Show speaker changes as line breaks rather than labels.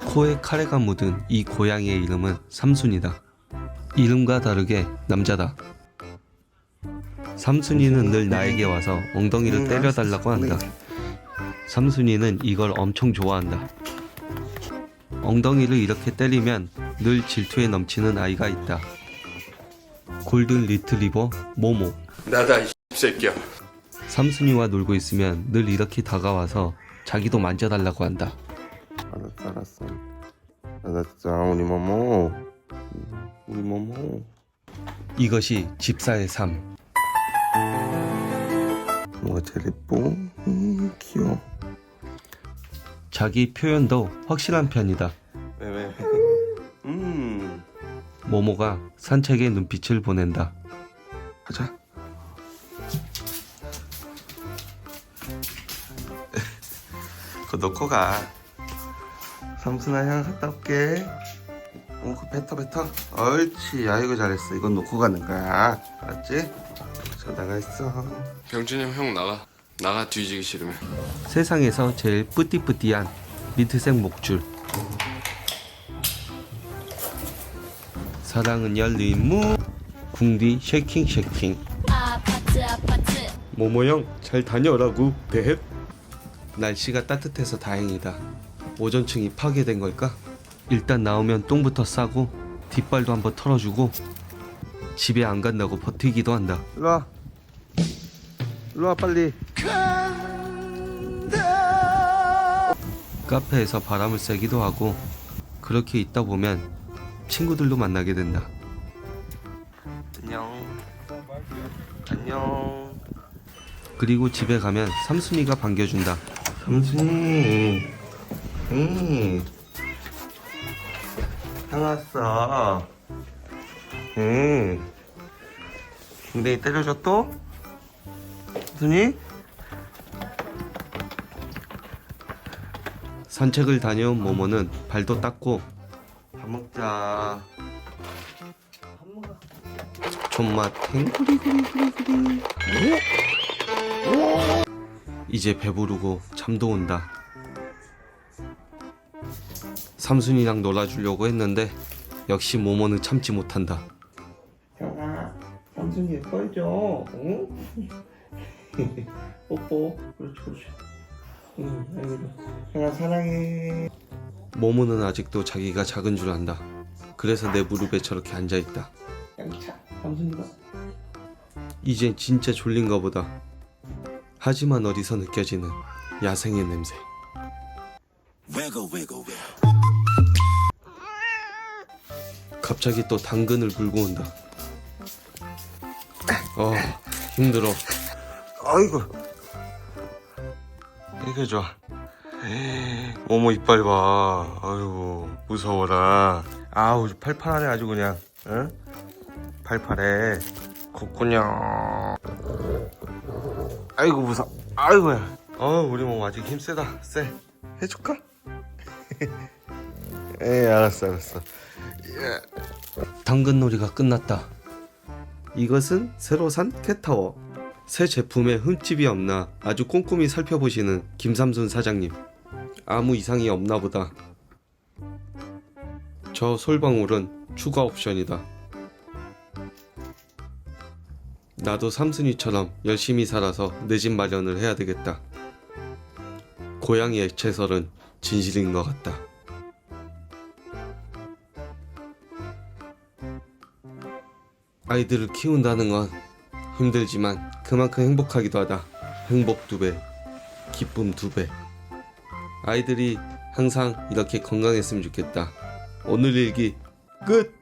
코에 카레가 묻은 이 고양이의 이름은 삼순이다. 이름과 다르게 남자다. 삼순이는 늘 나에게 와서 엉덩이를 때려달라고 한다. 삼순이는 이걸 엄청 좋아한다. 엉덩이를 이렇게 때리면 늘 질투에 넘치는 아이가 있다. 골든 리트리버 모모.
나다 이 새끼야.
삼순이와 놀고 있으면 늘 이렇게 다가와서 자기도 만져달라고 한다.
알았어. 알았어, 우리 모모. 우리 모모.
이것이 집사의 삶.
뭐가 제일 예뻐? 귀여워.
자기 표현도 확실한 편이다.
왜?
모모가 산책에 눈빛을 보낸다.
가자. 그거 놓고 가. 삼순아 형 갔다 올게. 그거 뱉어. 옳지. 아이고 잘했어. 이건 놓고 가는 거야. 알았지? 저 나가 있어.
병준이 형 나가 뒤지기 싫으면.
세상에서 제일 뿌띠뿌띠한 민트색 목줄. 사랑은 열린 문. 궁디 쉐킹.
아파트
모모형 잘 다녀라고 대헵. 날씨가 따뜻해서 다행이다. 오존층이 파괴된 걸까? 일단 나오면 똥부터 싸고 뒷발도 한번 털어주고 집에 안 간다고 버티기도 한다.
일로와 빨리.
카페에서 바람을 쐬기도 하고 그렇게 있다 보면 친구들도 만나게 된다.
안녕.
그리고 집에 가면 삼순이가 반겨준다.
삼순이. 형 왔어. 엉덩이 때려줘 또? 삼순이?
산책을 다녀온 모모는 발도 닦고
밥 먹자.
존맛 탱구리구리구리구리. 이제 배부르고 잠도 온다. 삼순이랑 놀아주려고 했는데 역시 모모는 참지 못한다.
형아, 삼순이 예뻐해줘. 응? 뽀뽀. 그렇지. 아이고. 형아 사랑해.
모모는 아직도 자기가 작은 줄 안다. 그래서 내 무릎에 저렇게 앉아있다.
양차. 삼순이가.
이젠 진짜 졸린가 보다. 하지만 어디서 느껴지는 야생의 냄새. 갑자기 또 당근을 물고 온다. 힘들어.
아이고. 이게 좋아. 어머 이빨 봐. 아이고 무서워라. 아우 팔팔하네 아주 그냥. 응? 팔팔해. 콧구녕. 아이고 무서워. 아이고야. 우리 몸 아직 힘 세다. 세. 해줄까? 에이 알았어.
당근놀이가 끝났다. 이것은 새로 산 캣타워. 새 제품에 흠집이 없나 아주 꼼꼼히 살펴보시는 김삼순 사장님. 아무 이상이 없나 보다. 저 솔방울은 추가 옵션이다. 나도 삼순이처럼 열심히 살아서 내 집 마련을 해야 되겠다. 고양이 액체설은 진실인 것 같다. 아이들을 키운다는 건 힘들지만 그만큼 행복하기도 하다. 행복 2배, 기쁨 2배. 아이들이 항상 이렇게 건강했으면 좋겠다. 오늘 일기 끝!